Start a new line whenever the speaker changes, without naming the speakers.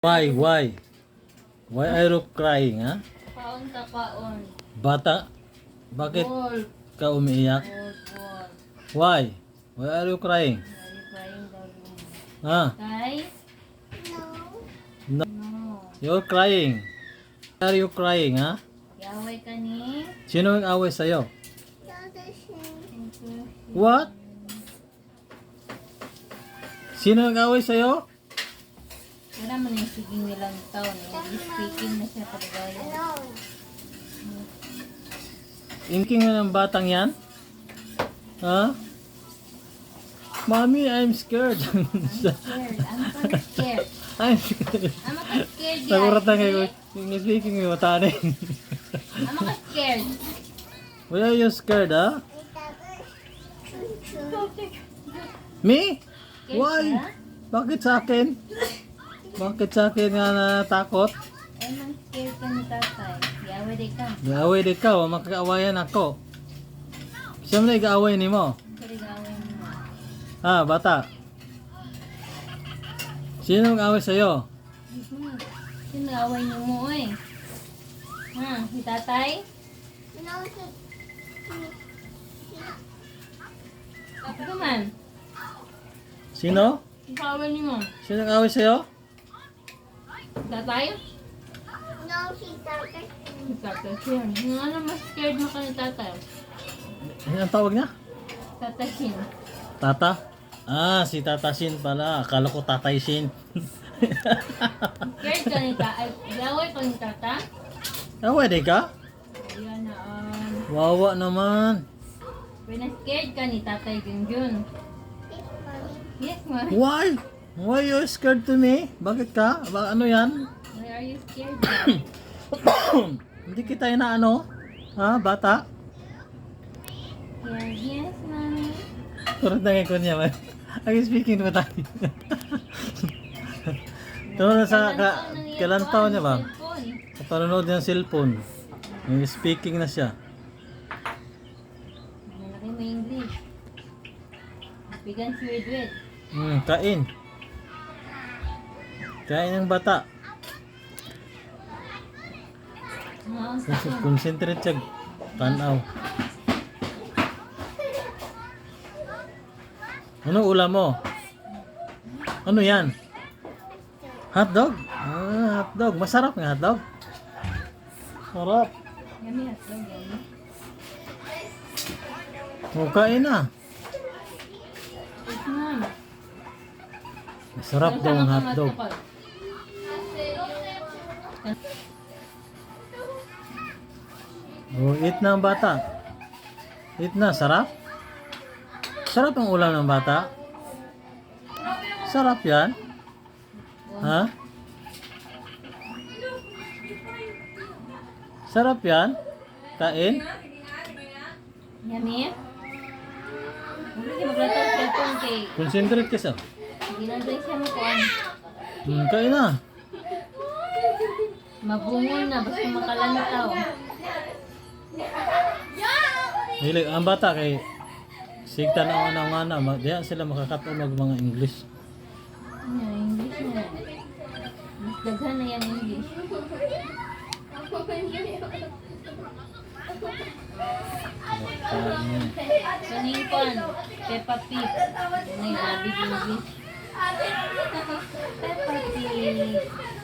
Why? Why? Why are you crying, ha?
Kaon ka kaon.
Bata, bakit
Wolf.
ka umiiyak?
Wolf.
Why? Why are you crying?
Are you crying, darling?
Ha?
Guys?
No.
No.
You're crying. Why are you crying, ha?
Yaway ka ni?
Sino ang away sa'yo? What? Sino ang away sa'yo?
Wala man yung siging nilang taon. Speaking na siya talaga.
Inking na ng batang yan? Ha? Mommy, I'm scared.
I'm scared. I'm so scared.
I'm scared.
I'm not scared, guys.
Naguratan kayo. Yung speaking yung matanin.
I'm not scared.
Why are you scared, ha? Me?
Scared
Why?
ka?
Bakit sa akin? Bakit sa akin nga natakot?
Ay, man scared ka ni tatay. Yaway di ka.
Gaaway di ka, makakaawayan ako. Siyempre, gaaway ni mo.
Sorry, gawin mo.
Ha, bata? Sino ang away sa'yo?
Sino away niyo mo, eh? Ha? Si tatay? Ako naman.
Sino?
Sino away niyo mo?
Sino ang away sa'yo?
Tatay? Si tatay siya. Nga naman scared mo ka ni tatay.
Ano ang tawag niya?
Tatay siya.
Tata? Ah, si Tata Shin pala. Akala ko Tatay Shin.
Scared ka ni tatay? Yaway ka ni tata?
Away di ka?
Ayan na.
Wawa naman.
Scared ka ni tatay Junjun. Yes, ma.
Why? Why you scared to me? Bakit ka? Ano yan?
Why are you scared ka?
Hindi kita na ano? Ha, bata?
Yes, mommy.
Turot na ngayon ko niya man. Ang speaking mo tayo. Turot na sa kalantaw niya ba? Sa panonood niya ng cellphone. Yung speaking na siya.
Malaki mo English. Bigan si Wedwed.
Kain. Kain ng bata. Concentrate siya. Tanaw. Anong ulam mo? Ano yan? Hotdog? Ah, hotdog. Masarap nga hotdog. Sarap.
Yummy hotdog, yummy.
Kain na.
Yes, ma'am.
Masarap daw ang hotdog. Oh, eat na ang bata. Eat na, sarap? Sarap ang ulam ng bata? Sarap yan? Ha? Sarap yan? Kain?
Yummy? Hindi ka maglatag cellphone kay
Concentrate ka sa.
ginagay siya mo ko.
Kain na.
Mabungol na, basta makalantaw.
Hilig, ang bata kay sigta na ana diyan sila makakatulog mga English.
Ano, English na. Mas daghan na yan English. Kaning kon, Peppa Pig. May labig English. Peppa Pig.